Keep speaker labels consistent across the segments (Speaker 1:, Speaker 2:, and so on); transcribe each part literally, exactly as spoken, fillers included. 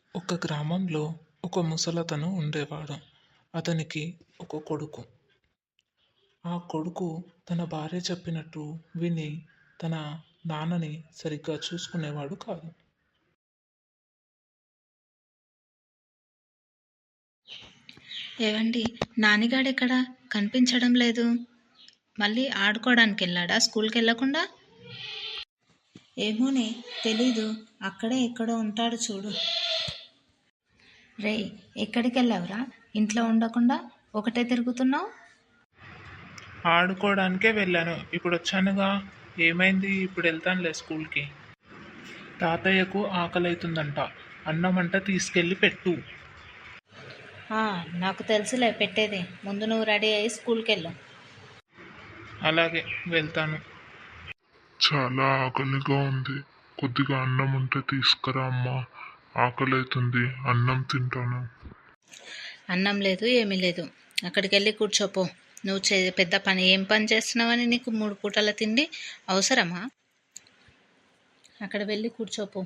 Speaker 1: ఒక గ్రామంలో ఒక ముసలతను ఉండేవాడు. అతనికి ఒక కొడుకు. ఆ కొడుకు తన భార్య చెప్పినట్టు విని తన నాన్నని సరిగ్గా చూసుకునేవాడు కాదు.
Speaker 2: ఏవండి, నానిగాడెక్కడా కనిపించడం లేదు? మళ్ళీ ఆడుకోవడానికి వెళ్ళాడా స్కూల్కి వెళ్ళకుండా? ఏమోనే, తెలీదు. అక్కడే ఎక్కడో ఉంటాడు చూడు. రే, ఎక్కడికి వెళ్ళావురా? ఇంట్లో ఉండకుండా ఒకటే తిరుగుతున్నావు?
Speaker 1: ఆడుకోవడానికే వెళ్ళాను. ఇప్పుడు వచ్చానుగా. ఏమైంది? ఇప్పుడు వెళ్తానులే స్కూల్కి. తాతయ్యకు ఆకలైతుందంట. అన్నమంట తీసుకెళ్ళి పెట్టు.
Speaker 2: ఆ, నాకు తెలుసులే పెట్టేది. ముందు నువ్వు రెడీ అయ్యి స్కూల్కి వెళ్ళు.
Speaker 1: అలాగే, వెళ్తాను.
Speaker 3: చాలా ఆకలిగా ఉంది. కొద్దిగా అన్నం ఉంటే తీసుకురా అమ్మా. ఆకలి అవుతుంది, అన్నం తింటాను.
Speaker 2: అన్నం లేదు, ఏమీ లేదు. అక్కడికి వెళ్ళి కూర్చోపో. నువ్వు చే పెద్ద పని ఏం పని చేస్తున్నావని నీకు మూడు పూటల తిండి అవసరమా? అక్కడ వెళ్ళి కూర్చోపో.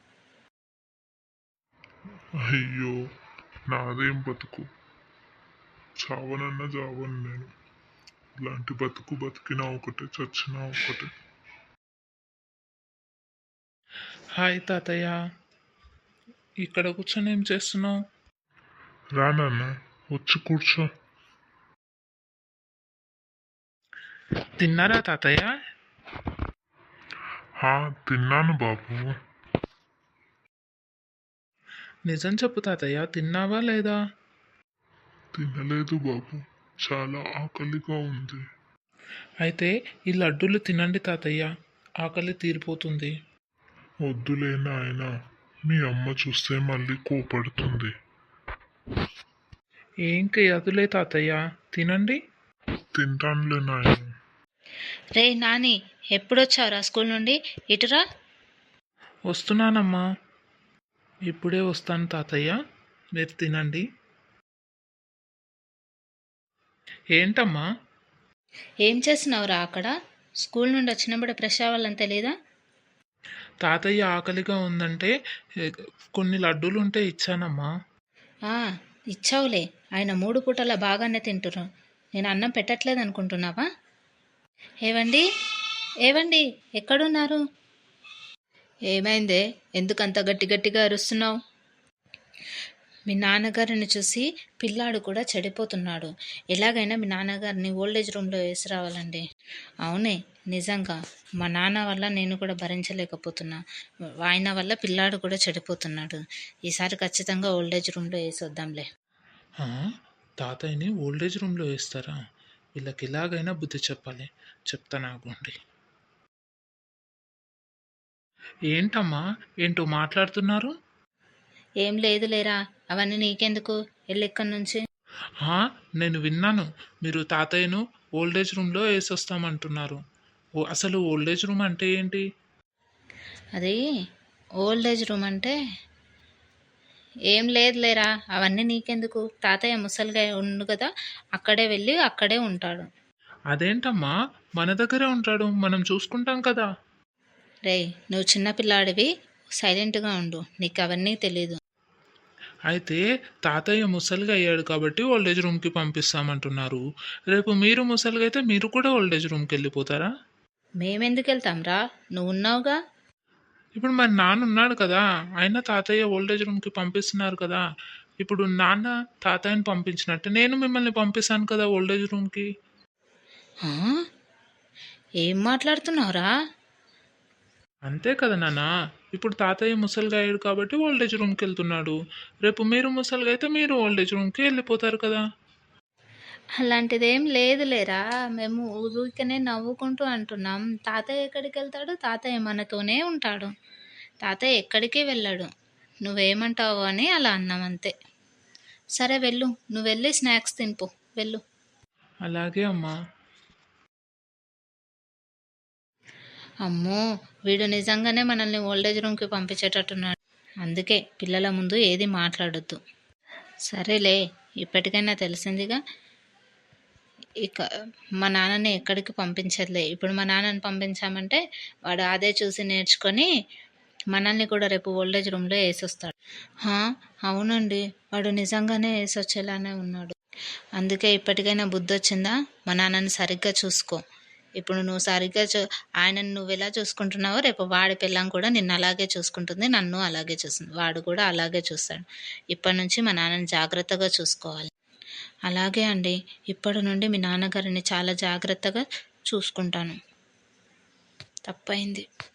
Speaker 3: అయ్యో, నాదేం బతుకు. చావనన్నా చావను నేను. ఇలాంటి బతుకు బతికినా ఒకటే, చచ్చినా ఒకటే.
Speaker 1: హాయ్ తాతయ్య. ఇక్కడ కూర్చొని ఏం చేస్తున్నావు?
Speaker 3: రానన్నా, వచ్చి కూర్చో.
Speaker 1: తిన్నారా తాతయ్య?
Speaker 3: హా, తిన్నాను బాబు.
Speaker 1: నిజం చెప్పు తాతయ్య, తిన్నావా లేదా?
Speaker 3: తినలేదు బాబు, చాలా ఆకలిగా ఉంది.
Speaker 1: అయితే ఈ లడ్డూలు తినండి తాతయ్య, ఆకలి తీరిపోతుంది.
Speaker 3: వద్దులే నాయనా, మీ అమ్మ చూస్తే మళ్ళీ కోపడుతుంది.
Speaker 1: ఏం కాదులే తాతయ్య, తినండి.
Speaker 3: తింటానులే నాయన.
Speaker 2: రే నాని, ఎప్పుడొచ్చావురా స్కూల్ నుండి? ఇటురా.
Speaker 1: వస్తున్నానమ్మా. ఇప్పుడే వస్తాను తాతయ్య, మీరు తినండి. ఏంటమ్మా?
Speaker 2: ఏం చేస్తున్నావురా అక్కడ? స్కూల్ నుండి వచ్చినప్పుడు ఫ్రెష్ అవ్వాలని తెలీదా?
Speaker 1: తాతయ్య ఆకలిగా ఉందంటే ఏ, కొన్ని లడ్డూలు ఉంటే ఇచ్చానమ్మా.
Speaker 2: ఆ, ఇచ్చావులే. ఆయన మూడు పూటల బాగానే తింటున్నావు. నేను అన్నం పెట్టట్లేదు అనుకుంటున్నావా? ఏవండి, ఏవండి, ఎక్కడున్నారు? ఏమైందే? ఎందుకంత గట్టి గట్టిగా అరుస్తున్నావు? మీ నాన్నగారిని చూసి పిల్లాడు కూడా చెడిపోతున్నాడు. ఎలాగైనా మీ నాన్నగారిని ఓల్డేజ్ రూమ్లో వేసి రావాలండి. అవునే, నిజంగా మా నాన్న వల్ల నేను కూడా భరించలేకపోతున్నా. ఆయన వల్ల పిల్లాడు కూడా చెడిపోతున్నాడు. ఈసారి ఖచ్చితంగా ఓల్డేజ్ రూమ్లో వేసి వద్దాంలే.
Speaker 1: ఆ, తాతయ్యని ఓల్డేజ్ రూమ్లో వేస్తారా? వీళ్ళకి ఎలాగైనా బుద్ధి చెప్పాలి. చెప్తాను ఆగండి. ఏంటమ్మా, ఏంటో మాట్లాడుతున్నారు?
Speaker 2: ఏం లేదు లేరా, అవన్నీ నీకెందుకు? వెళ్ళి ఇక్కడి నుంచి.
Speaker 1: ఆ, నేను విన్నాను. మీరు తాతయ్యను ఓల్డేజ్ రూమ్లో వేసొస్తామంటున్నారు. ఓ, అసలు ఓల్డేజ్ రూమ్ అంటే ఏంటి?
Speaker 2: అది ఓల్డేజ్ రూమ్ అంటే ఏం లేదు లేరా, అవన్నీ నీకెందుకు? తాతయ్య ముసలిగా ఉండు కదా, అక్కడే వెళ్ళి అక్కడే ఉంటాడు.
Speaker 1: అదేంటమ్మా, మన దగ్గరే ఉంటాడు, మనం చూసుకుంటాం కదా.
Speaker 2: రేయ్, నువ్వు చిన్నపిల్లాడివి, సైలెంట్గా ఉండు. నీకు అవన్నీ తెలీదు.
Speaker 1: అయితే తాతయ్య ముసలిగా అయ్యాడు కాబట్టి ఓల్డేజ్ రూమ్కి పంపిస్తామంటున్నారు. రేపు మీరు ముసలిగా అయితే మీరు కూడా ఓల్డేజ్ రూమ్కి వెళ్ళిపోతారా?
Speaker 2: మేమెందుకు వెళ్తాం రా, నువ్వు ఉన్నావుగా.
Speaker 1: ఇప్పుడు మరి నాన్న ఉన్నాడు కదా, ఆయన తాతయ్య ఓల్డేజ్ రూమ్కి పంపిస్తున్నారు కదా. ఇప్పుడు నాన్న తాతయ్యని పంపించినట్టు నేను మిమ్మల్ని పంపిస్తాను కదా ఓల్డేజ్ రూమ్కి.
Speaker 2: ఆ? ఏం మాట్లాడుతున్నావురా?
Speaker 1: అంతే కదా నాన్న. ఇప్పుడు తాతయ్య ముసలిగా అయ్యాడు కాబట్టి ఓల్డేజ్ రూమ్కి వెళ్తున్నాడు. రేపు మీరు ముసలిగా అయితే మీరు ఓల్డేజ్ రూమ్కి వెళ్ళిపోతారు కదా.
Speaker 2: అలాంటిదేం లేదు లేరా, మేము ఊరికనే నవ్వుకుంటూ అంటున్నాం. తాతయ్య ఎక్కడికి వెళ్తాడు? తాతయ్య మనతోనే ఉంటాడు. తాతయ్య ఎక్కడికి వెళ్ళాడు. నువ్వేమంటావు అని అలా అన్నాం అంతే. సరే వెళ్ళు, నువ్వు వెళ్ళి స్నాక్స్ తినిపో, వెళ్ళు.
Speaker 1: అలాగే అమ్మా.
Speaker 2: అమ్మో, వీడు నిజంగానే మనల్ని ఓల్డేజ్ రూమ్కి పంపించేటట్టున్నాడు. అందుకే పిల్లల ముందు ఏది మాట్లాడొద్దు. సరేలే, ఇప్పటికైనా తెలిసిందిగా. ఇక మా నాన్నని ఎక్కడికి పంపించదులే. ఇప్పుడు మా నాన్నని పంపించామంటే వాడు అదే చూసి నేర్చుకొని మనల్ని కూడా రేపు ఓల్డేజ్ రూమ్లో వేసొస్తాడు. హా, అవునండి, వాడు నిజంగానే వేసొచ్చేలానే ఉన్నాడు. అందుకే ఇప్పటికైనా బుద్ధి వచ్చిందా? మా నాన్నని సరిగ్గా చూసుకో. ఇప్పుడు నువ్వు సరిగ్గా చూ ఆయనను నువ్వు ఎలా చూసుకుంటున్నావో రేపు వాడి పిల్లం కూడా నిన్ను అలాగే చూసుకుంటుంది, నన్ను అలాగే చూస్తుంది, వాడు కూడా అలాగే చూస్తాడు. ఇప్పటి నుంచి మా నాన్నని జాగ్రత్తగా చూసుకోవాలి. అలాగే అండి, ఇప్పటి నుండి మీ నాన్నగారిని చాలా జాగ్రత్తగా చూసుకుంటాను. తప్పైంది.